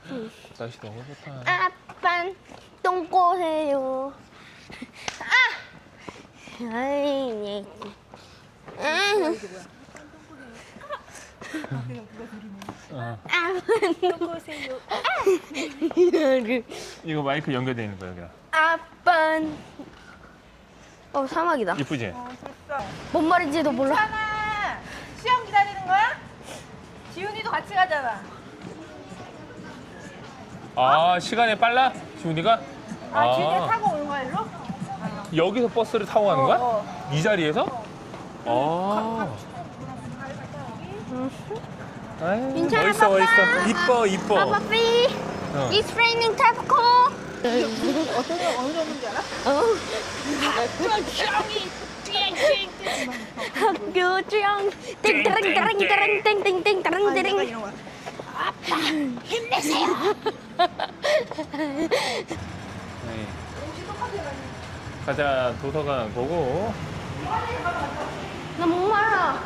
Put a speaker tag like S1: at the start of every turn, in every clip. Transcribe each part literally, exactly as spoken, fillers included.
S1: 응.
S2: 날씨 너무 좋다.
S1: 아빤 똥꼬해요. 아! 아이, 네. 응.
S2: 어.
S1: 똥꼬세요.
S2: 이거 마이크 연결돼 있는 거야, 여기랑.
S1: 아빤. 어, 사막이다.
S2: 이쁘지?
S3: 어, 됐어.
S1: 뭔 말인지도 몰라.
S3: 괜찮아. 시험 기다리는 거야? 지훈이도 같이 가잖아.
S2: 아, 시간이 빨라? 지훈이가?
S3: 아, 지훈이가 타고 오는 거야, 일로?
S2: 여기서 버스를 타고 가는 거야?
S3: 어,
S2: 이 자리에서? 아. 아유,
S1: 괜찮아,
S2: 멋있어,
S1: 빠빠.
S2: 멋있어. 이뻐, 이뻐.
S1: 아빠삐.
S2: 어.
S1: It's raining taco.
S3: 어떤 거 어느 정도인지 알아?
S1: 어. 학교 중 땡땡땡땡땡땡땡땡
S3: 아,
S1: 땡땡.
S3: 이런 거.
S2: 네. 가자, 도서관 보고.
S1: 나 목말라.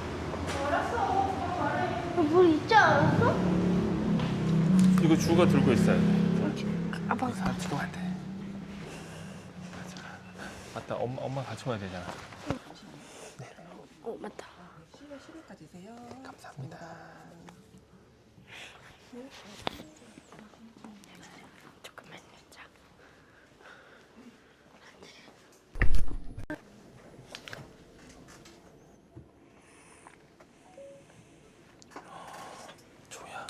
S1: 물 있지 않았어?
S2: 이거 주가 들고 있어야 돼.
S1: 아빠
S2: 같이 가면 안 돼. 가자. 맞다, 엄마, 엄마 같이 와야 되잖아.
S1: 어 맞다.
S2: 감사합니다.
S1: 조금만 자.
S2: 조야.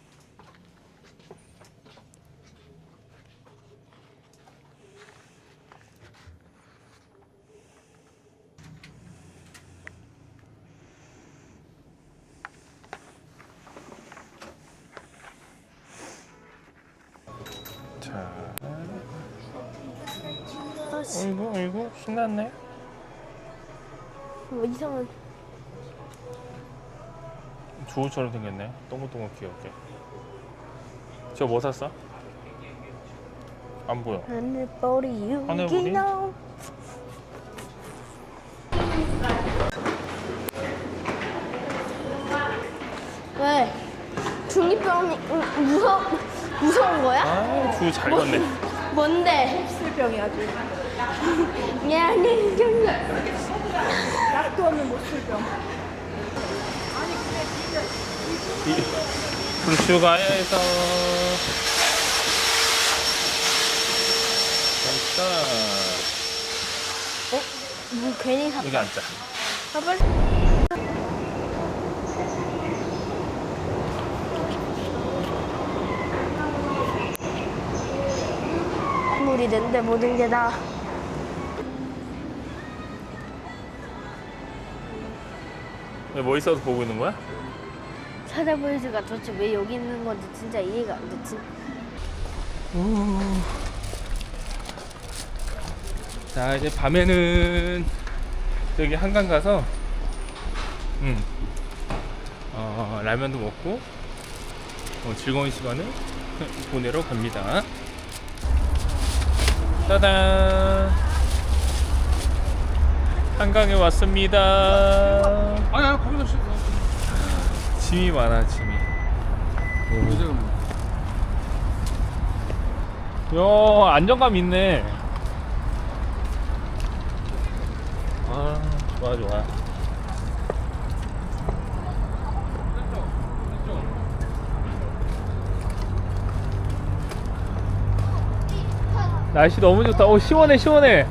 S2: 자. 어이구, 어이구, 신났네.
S1: 뭐 이상한.
S2: 주호처럼 생겼네. 동글동글 귀엽게. 저 뭐 샀어? 안 보여.
S1: 하늘보리
S2: 하늘보리?
S1: 유기농. 왜? 중이병이 음, 무서 무서운 거야?
S2: 아, 주 잘 걷네.
S1: 뭔데?
S3: 술병이 아주.
S1: 미안해 좀.
S3: 약도 없는 못술병.
S2: 이 불슈가에서 일단
S1: 뭐 괜히 사.
S2: 여기 앉자.
S1: 아 빨리. 물이 된데 모든 게 다.
S2: 왜 뭐 있어서 보고 있는 거야?
S1: 찾아보이즈가 도대체 왜 여기 있는 건지 진짜 이해가 안 되지.
S2: 자, 이제 밤에는 저기 한강 가서 음, 어, 라면도 먹고 어, 즐거운 시간을 보내러 갑니다. 짜잔! 한강에 왔습니다.
S4: 아니야, 거기서 시
S2: 짐이 많아, 짐이. 요, 안정감 있네. 아, 좋아, 좋아. 날씨 너무 좋다. 오, 시원해, 시원해.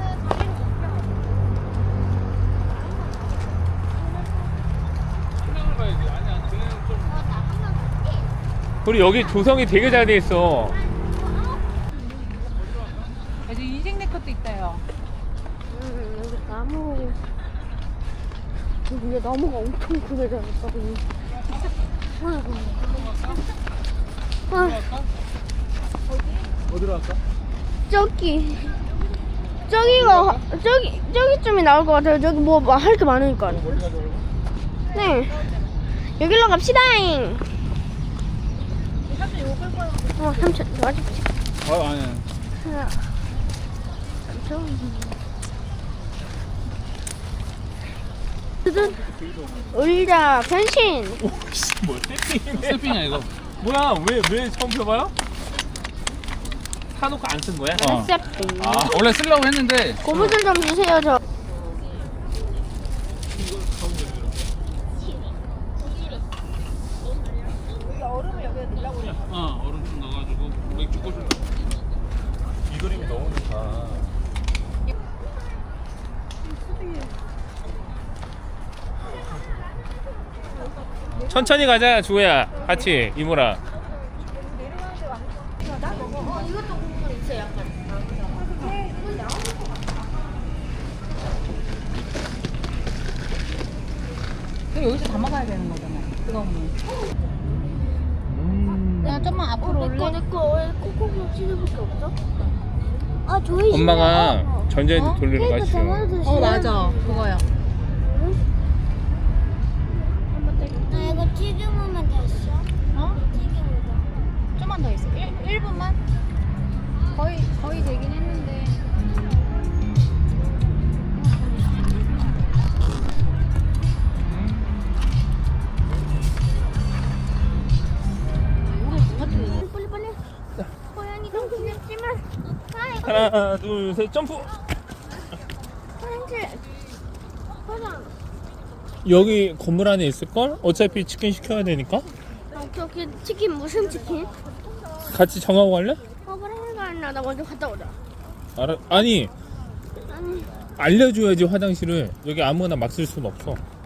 S2: 우리 여기 조성이 되게 잘 돼 있어.
S3: 아주 인생 내 것도 있다요.
S1: 음, 여기 나무. 근데 나무가 엄청 크게 자랐다고. 아이고. 아,
S2: 어디로 갈까?
S1: 저기. 저기가 저기 저기쯤이 나올 것 같아요. 저기 뭐 할 게 많으니까. 네. 여기로 갑시다잉. 어, 삼촌 도와줄게.
S4: 아, 아니야.
S1: 하나, 삼촌. 뜨든. 의자 변신.
S2: 뭐 세팅이네.
S4: 셀핑이야, 이거.
S2: 뭐야 왜 왜 처음 펴봐요? 사놓고 안 쓴 거야?
S4: 어.
S1: 세피.
S4: 아 원래 쓰려고 했는데
S1: 고무줄 좀 주세요 저.
S3: 여기 얼음을 여기다 넣으려고 그래.
S4: 어 얼음 좀 넣어가지고 맥주 꽂을.
S2: 이 그림이 너무 좋다. 천천히 가자 주호야 같이 이모랑.
S1: 어 이것도 고무줄 있어요 약간.
S3: 그럼 여기서 담아가야 되는 거잖아. 뜨거운 물.
S2: 음.
S3: 그냥 좀만 앞으로 올래?
S1: 내거 내거 왜 코코넛 치즈밖에 없어? 아 저희
S2: 엄마가
S1: 집에-
S2: 전자레인지
S3: 어?
S2: 돌리러
S1: 케이크
S2: 가시죠.
S1: 담아도
S3: 어 맞아. 그거야.
S1: 나 이거 튀김하면 됐어.
S3: 어?
S1: 튀김이다.
S3: 좀만 더 있어. 일 분만? 거의 거의 되긴 했는데.
S1: 빨리 빨리. 고양이가 귀엽지만. 아 이거
S2: 하나 둘 셋 점프.
S1: 화장실. 화장.
S2: 여기 건물 안에 있을걸? 어차피 치킨 시켜야 되니까
S1: 오케이 오케이 치킨 무슨 치킨?
S2: 같이 정하고 갈래?
S1: 어 그래 이거 아니라 나 먼저 갔다 오자.
S2: 알아, 아니
S1: 아니
S2: 알려줘야지 화장실을. 여기 아무거나 막 쓸 수는 없어.